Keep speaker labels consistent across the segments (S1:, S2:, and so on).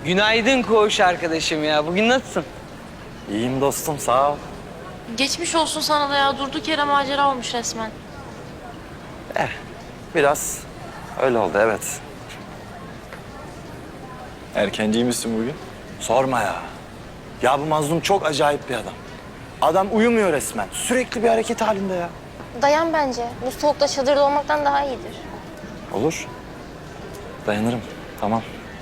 S1: Günaydın koğuş arkadaşım ya. Bugün nasılsın?
S2: İyiyim dostum, sağ ol.
S3: Geçmiş olsun sana da ya. Durduk yere macera olmuş resmen.
S2: Biraz öyle oldu, evet.
S4: Erkenciymişsin bugün.
S2: Sorma ya. Ya bu mazlum çok acayip bir adam. Adam uyumuyor resmen. Sürekli bir hareket halinde ya.
S5: Dayan bence. Bu soğukta çadırda olmaktan daha iyidir.
S2: Olur. Dayanırım. Tamam.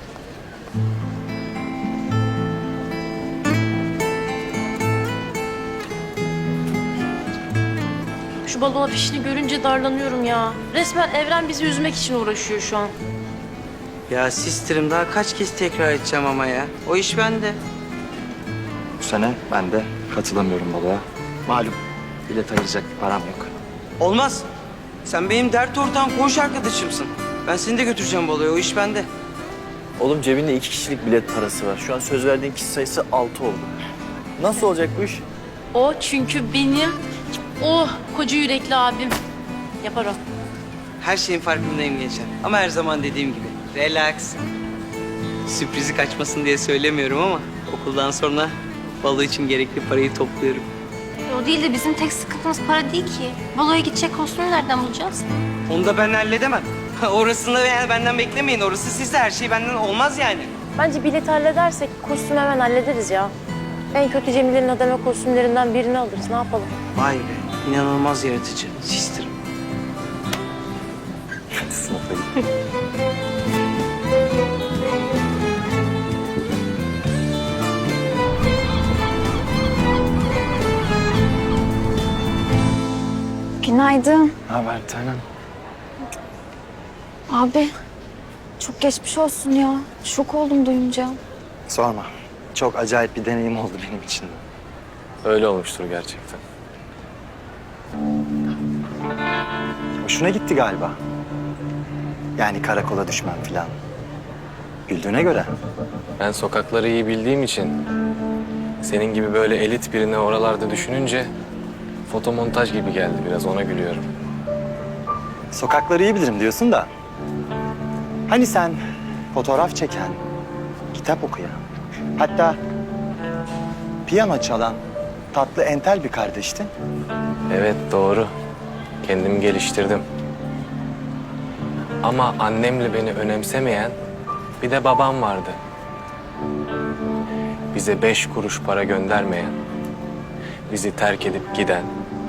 S3: Şu balon afişini görünce darlanıyorum ya. Resmen evren bizi üzmek için uğraşıyor şu an.
S1: Ya sistirim daha kaç kez tekrar edeceğim ama ya. O iş bende.
S2: Bu sene ben de katılamıyorum baloya. Malum bilet ayıracak bir param yok.
S1: Olmaz. Sen benim dert ortağım, koğuş arkadaşımsın. Ben seni de götüreceğim baloya. O iş bende.
S4: Oğlum cebinde 2 kişilik bilet parası var. Şu an söz verdiğin kişi sayısı 6 oldu. Nasıl olacak bu iş?
S3: O çünkü benim koca yürekli abim. Yapar o.
S1: Her şeyin farkındayım gençler. Ama her zaman dediğim gibi. Relax. Sürprizi kaçmasın diye söylemiyorum ama okuldan sonra balo için gerekli parayı topluyorum.
S5: O değil de bizim tek sıkıntımız para değil ki. Baloya gidecek kostümü nereden bulacağız?
S1: Onu da ben halledemem. Orasını yani benden beklemeyin. Orası sizde, her şey benden olmaz yani.
S6: Bence bileti halledersek kostümü hemen hallederiz ya. En kötü Cemile'nin adama kostümlerinden birini alırız. Ne yapalım?
S1: Vay be, inanılmaz yaratıcı. Sistirim.
S2: Sınıfa git.
S7: Günaydın.
S2: Ne haber bir tanem?
S7: Abi, çok geçmiş olsun ya. Şok oldum duyunca.
S2: Sorma. Çok acayip bir deneyim oldu benim için de.
S4: Öyle olmuştur gerçekten.
S2: Hoşuna gitti galiba. Yani karakola düşmem falan. Güldüğüne göre.
S4: Ben sokakları iyi bildiğim için senin gibi böyle elit birini oralarda düşününce fotomontaj gibi geldi, biraz ona gülüyorum.
S2: Sokakları iyi bilirim diyorsun da. Hani sen fotoğraf çeken, kitap okuyan, hatta piyano çalan tatlı entel bir kardeştin.
S4: Evet, doğru. Kendimi geliştirdim. Ama annemle beni önemsemeyen bir de babam vardı. Bize 5 kuruş para göndermeyen, bizi terk edip giden.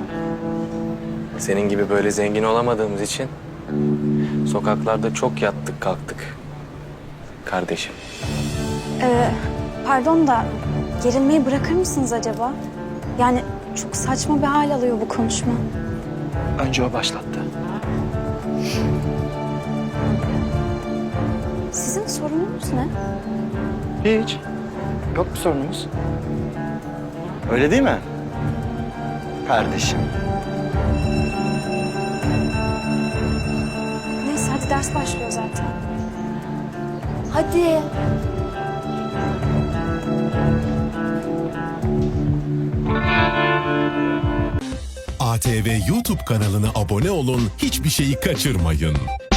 S4: Senin gibi böyle zengin olamadığımız için sokaklarda çok yattık kalktık kardeşim.
S7: Pardon da gerilmeyi bırakır mısınız acaba? Yani çok saçma bir hal alıyor bu konuşma.
S2: Önce o başlattı.
S7: Sizin sorununuz ne?
S2: Hiç. Yok bir sorunumuz. Öyle değil mi? Kardeşim.
S7: Neyse hadi ders başlıyor zaten. Hadi.
S8: ATV YouTube kanalına abone olun, hiçbir şeyi kaçırmayın.